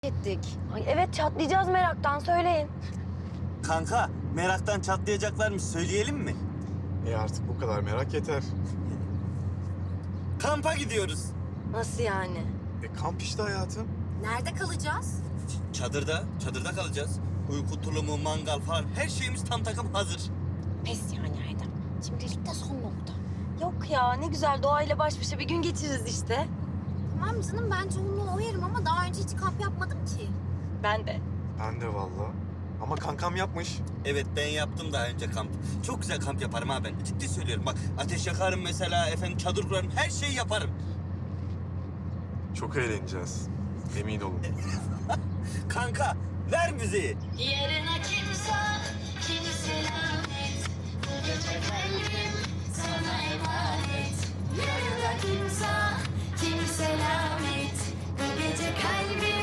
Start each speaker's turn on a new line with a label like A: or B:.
A: ettik. Ay evet çatlayacağız meraktan söyleyin.
B: Kanka meraktan çatlayacaklarmış söyleyelim mi?
C: Artık bu kadar merak yeter.
B: Kampa gidiyoruz.
A: Nasıl yani?
C: Kamp işte hayatım.
D: Nerede kalacağız?
B: Çadırda kalacağız. Uyku tulumu, mangal falan her şeyimiz tam takım hazır.
D: Pes yani Erdem. Şimdilik de son nokta.
A: Yok ya ne güzel doğayla baş başa bir gün geçiririz işte.
D: Tamam canım ben çoğunluğu oyarım ama daha önce hiç kamp yapmadım ki.
A: Ben de.
C: Ben de vallahi. Ama kankam yapmış.
B: Evet ben yaptım daha önce kamp. Çok güzel kamp yaparım ha ben. Ciddi söylüyorum bak ateş yakarım mesela efendim çadır kurarım her şeyi yaparım.
C: Çok eğleneceğiz. Emin olun.
B: Kanka ver müziği.
E: Yarına kimse lanet. Bu gece kalbim sana emanet. Yarına kimse lanet. Bu gece kalbim